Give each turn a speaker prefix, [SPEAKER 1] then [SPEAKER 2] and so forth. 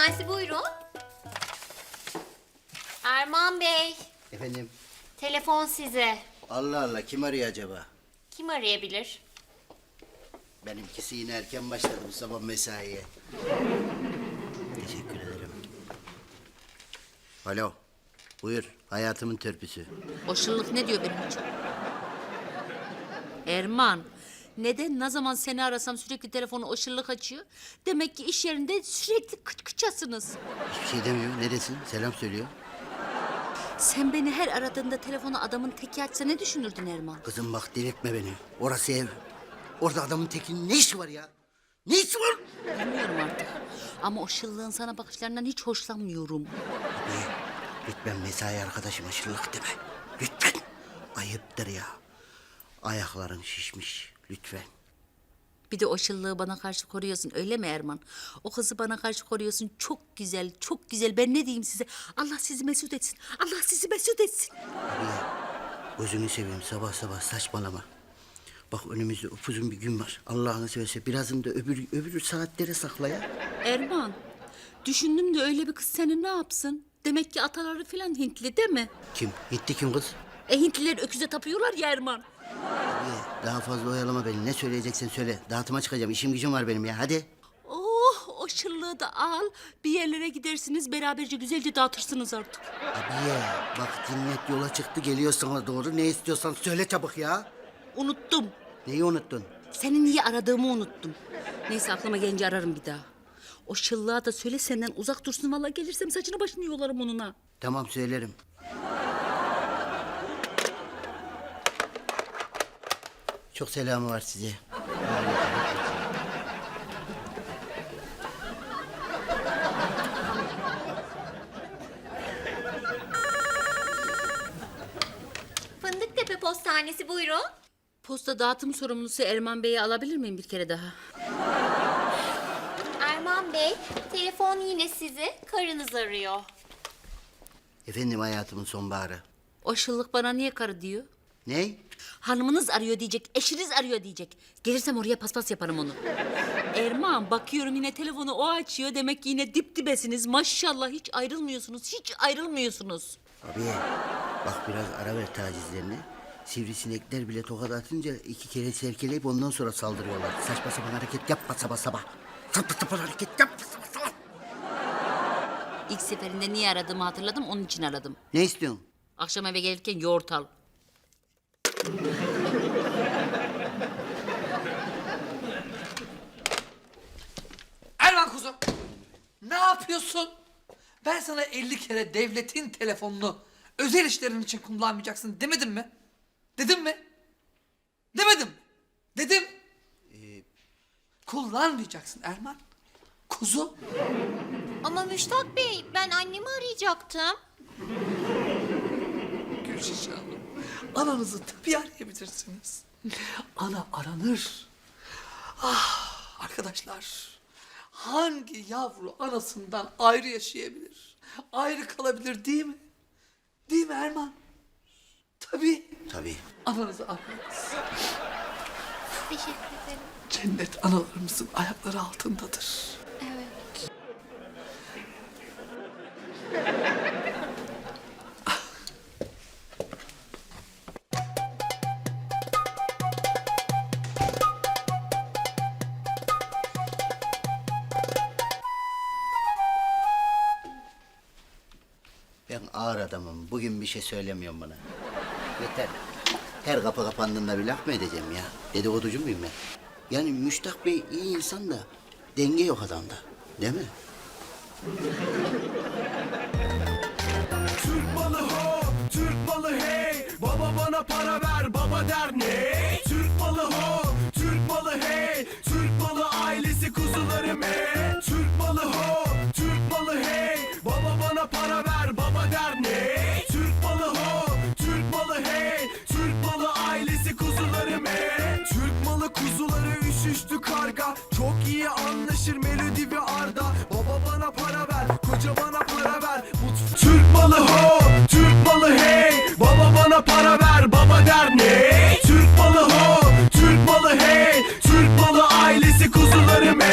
[SPEAKER 1] Postanesi buyurun. Erman Bey,
[SPEAKER 2] Efendim?
[SPEAKER 1] telefon size.
[SPEAKER 2] Allah Allah, kim arıyor acaba?
[SPEAKER 1] Kim arayabilir?
[SPEAKER 2] Benimkisi yine erken başladı bu sabah mesaiye. Teşekkür ederim. Alo, buyur, hayatımın törpüsü.
[SPEAKER 3] O şıllık ne diyor benim için? Erman, neden ne zaman seni arasam sürekli telefonu o şıllık açıyor? Demek ki iş yerinde sürekli kıçkıçasınız.
[SPEAKER 2] Hiçbir şey demiyor, neredesin? Selam söylüyor.
[SPEAKER 3] Sen beni her aradığında telefonu adamın teki açsa ne düşünürdün Erman?
[SPEAKER 2] Kızım bak, delirtme beni. Orası ev. Orada adamın tekinin ne işi var ya? Ne işi var?
[SPEAKER 3] Bilmiyorum artık. Ama o şıllığın sana bakışlarından hiç hoşlanmıyorum.
[SPEAKER 2] Abi, lütfen mesai arkadaşıma şıllık deme. Lütfen. Ayıptır ya. Ayakların şişmiş, lütfen.
[SPEAKER 3] Bir de o şıllığı bana karşı koruyorsun, öyle mi Erman? O kızı bana karşı koruyorsun. Çok güzel, çok güzel. Ben ne diyeyim size? Allah sizi mesut etsin. Allah sizi mesut etsin.
[SPEAKER 2] Abi ya, gözünü seveyim, sabah sabah saçmalama. Bak, önümüzde upuzun bir gün var. Allah'ını seversen birazını da öbür saatlere sakla ya.
[SPEAKER 3] Erman, düşündüm de öyle bir kız seni ne yapsın? Demek ki ataları falan Hintli değil mi?
[SPEAKER 2] Kim? Gitti kim kız?
[SPEAKER 3] Hintliler öküze tapıyorlar ya Erman.
[SPEAKER 2] Abi, daha fazla oyalama beni. Ne söyleyeceksen söyle. Dağıtıma çıkacağım. İşim gücüm var benim ya. Hadi.
[SPEAKER 3] Oh, o şıllığı da al. Bir yerlere gidersiniz, beraberce güzelce dağıtırsınız artık.
[SPEAKER 2] Abi ya, bak cinnet yola çıktı, geliyor sana doğru. Ne istiyorsan söyle çabuk ya.
[SPEAKER 3] Unuttum.
[SPEAKER 2] Neyi unuttun?
[SPEAKER 3] Seni niye aradığımı unuttum. Neyse, aklıma gelince ararım bir daha. O şıllığa da söyle senden uzak dursun. Vallahi gelirsem saçını başını yolarım onunla.
[SPEAKER 2] Tamam, söylerim. Çok selamı var size.
[SPEAKER 1] Fındıktepe Postanesi buyurun.
[SPEAKER 3] Posta dağıtım sorumlusu Erman Bey'i alabilir miyim bir kere daha?
[SPEAKER 1] Erman Bey, telefon yine sizi. Karınız arıyor.
[SPEAKER 2] Efendim, hayatımın sonbaharı.
[SPEAKER 3] O şıllık bana niye karı diyor?
[SPEAKER 2] Ney?
[SPEAKER 3] Hanımınız arıyor diyecek, eşiniz arıyor diyecek. Gelirsem oraya paspas yaparım onu. Erman, bakıyorum yine telefonu o açıyor. Demek ki yine dip dibesiniz. Maşallah, hiç ayrılmıyorsunuz, hiç ayrılmıyorsunuz.
[SPEAKER 2] Abi, bak biraz ara ver tacizlerine. Sivrisinekler bile tokat atınca 2 kere serkeleyip ondan sonra saldırıyorlar. Saçma sapan hareket yapma sabah sabah. Saçma sapan hareket yapma sabah sabah.
[SPEAKER 3] İlk seferinde niye aradığımı hatırladım, onun için aradım.
[SPEAKER 2] Ne istiyorsun?
[SPEAKER 3] Akşam eve gelirken yoğurt al.
[SPEAKER 4] Erman kuzum, ne yapıyorsun? Ben sana 50 kere devletin telefonunu özel işlerin için kullanmayacaksın demedim mi? Dedim mi? Demedim. Dedim. Kullanmayacaksın Erman. Kuzu.
[SPEAKER 1] Ama Müştak Bey, ben annemi arayacaktım.
[SPEAKER 4] Gülşişe Hanım, ananızı tabii arayabilirsiniz. Ana aranır. Ah arkadaşlar, hangi yavru anasından ayrı yaşayabilir? Ayrı kalabilir değil mi? Değil mi Erman? Tabii.
[SPEAKER 2] Tabii.
[SPEAKER 4] Ananızı arayınız.
[SPEAKER 1] Teşekkür ederim.
[SPEAKER 4] Cennet analarımızın ayakları altındadır.
[SPEAKER 1] Evet.
[SPEAKER 2] Ben ağır adamım. Bugün bir şey söylemiyorum bana. Yeter. Her kapı kapandığında bir laf mı edeceğim ya? Dedikoducu muyum ben? Yani Müştak Bey iyi insan da denge yok adamda. Değil mi?
[SPEAKER 5] Türk malı ho, Türk malı hey. Baba bana para ver, baba der ne? Türk malı ho, Türk malı hey. Türk malı ailesi kuzularım hey. Türk malı ho, Türk malı hey. Baba bana para ver, baba der ne? Türk malı ho, Türk malı hey. Türk malı ailesi kuzularım hey. Türk malı kuzuları üşüştü karga. Çok iyi anlaşır Melodi ve Arda. Baba bana para ver, koca bana para ver. Türk malı ho.